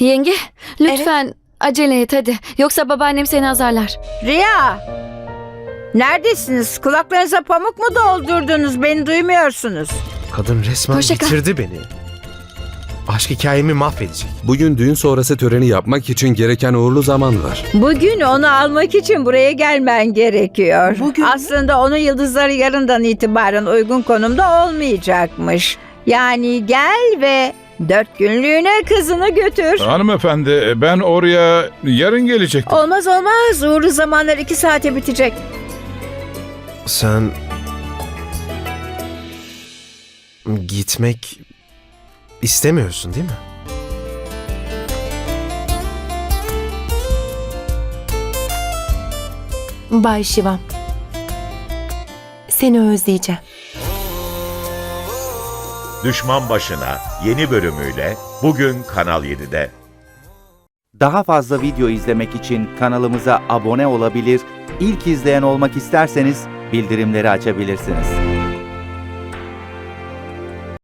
Yenge, lütfen acele et hadi. Yoksa babaannem seni azarlar. Riya! Neredesiniz? Kulaklarınıza pamuk mu doldurdunuz? Beni duymuyorsunuz. Kadın resmen Hoşça kal. bitirdi beni. Aşk hikayemi mahvedecek. Bugün düğün sonrası töreni yapmak için gereken uğurlu zaman var. Bugün onu almak için buraya gelmen gerekiyor. Aslında onun yıldızları yarından itibaren uygun konumda olmayacakmış. Yani gel ve 4 günlüğüne kızını götür. Hanımefendi, ben oraya yarın gelecektim. Olmaz olmaz. Uğurlu zamanlar 2 saate bitecek. Sen... Gitmek istemiyorsun değil mi? Bay Şivam. Seni özleyeceğim. Düşman Başına yeni bölümüyle bugün Kanal 7'de. Daha fazla video izlemek için kanalımıza abone olabilir, ilk izleyen olmak isterseniz bildirimleri açabilirsiniz.